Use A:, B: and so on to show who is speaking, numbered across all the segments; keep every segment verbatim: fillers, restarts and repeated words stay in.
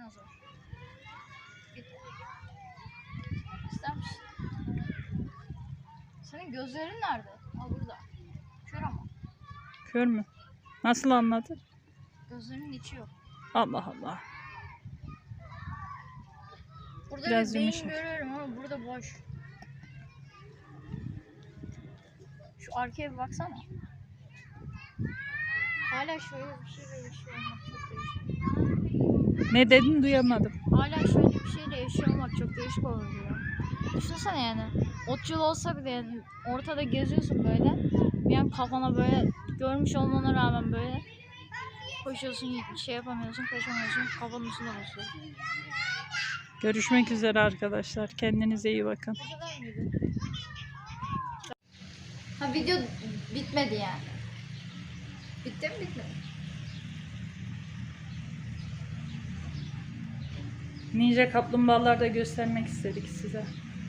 A: dinozor. Git. İster misin? Senin gözlerin nerede? Ha burada. Kör ama.
B: Kör mü? Nasıl anladın?
A: Gözlerinin içi yok.
B: Allah Allah.
A: Burada
B: Biraz
A: bir beyin
B: yumuşak.
A: görüyorum ama burada boş. Şu arkaya bir baksana. Hala şöyle bir şeyle yaşıyor olmak çok değişik.
B: Ne dedin duyamadım.
A: Hala şöyle bir şeyle yaşıyor olmak çok değişik olur diyor. Düşünsene yani. Otçul olsa bile yani ortada geziyorsun böyle. Bir an kafana böyle görmüş olmana rağmen böyle koşuyorsun, şey yapamıyorsun, koşamıyorsun, kafanın üstüne basıyor.
B: Görüşmek üzere arkadaşlar. Kendinize iyi bakın.
A: Bu kadar mıydı? Ha video bitmedi yani. Bitti mi bitmedi?
B: Ninja kaplumbağalar da göstermek istedik size.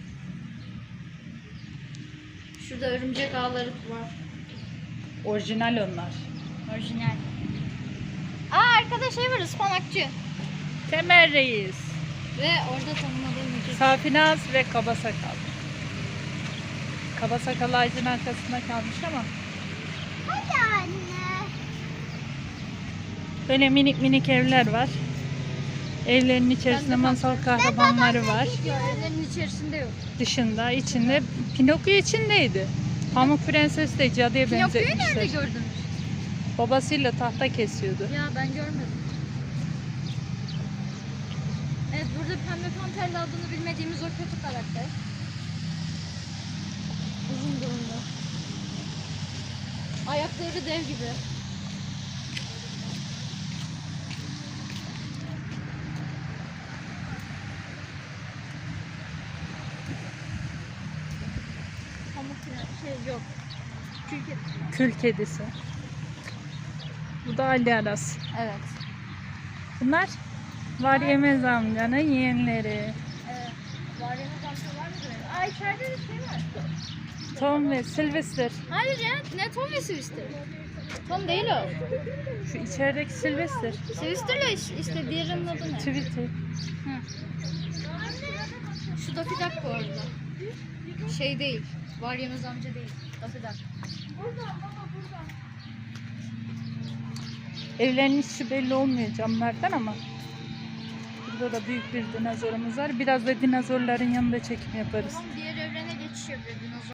A: Şurada örümcek ağları var.
B: Orijinal onlar.
A: Orijinal. Aa arkada şey var, ıspanakçı.
B: Temel Reis,
A: Ve orada tanımadığım iki.
B: Safinaz ve Kaba Sakal. Kaba Sakal ağacın arkasında kalmış ama
A: Hadi anne.
B: böyle minik minik evler var. Evlerin içerisinde masal kahramanları var.
A: Ya evlerin içerisinde yok.
B: Dışında, içinde Pinokyo içindeydi. Pamuk Prenses de cadıya
A: Pinokyo'yu nerede
B: benzetmişler.
A: gördünüz?
B: Babasıyla tahta kesiyordu.
A: Ya ben görmedim. Evet, burada Pembe Panter'le adını bilmediğimiz o kötü karakter. Uzun burunlu. Ayakları dev gibi. Pamuk Prens- şey yok. Çünkü
B: Kül kedisi. Bu da Ali Aras.
A: evet.
B: Bunlar Var Yemez amcanın yeğenleri.
A: Evet. Var ya da var mı böyle? Aa içeride de şey var.
B: Tom ve Sylvester.
A: Hayır ya, ne Tom ve Swister? Tom değil o.
B: Şu içerideki Sylvester.
A: Swister'la iş- işte diğerinin adı ne?
B: Tweety.
A: Hı. Şu Daffy Duck bu arada. Şey değil. Var yemez amca değil. Daffy Duck.
B: Evlerin içi belli olmuyor camlardan ama burada da büyük bir dinozorumuz var. Biraz da dinozorların yanında çekim yaparız.
A: Tamam, diğer evrene geçiş yapıyor dinozor.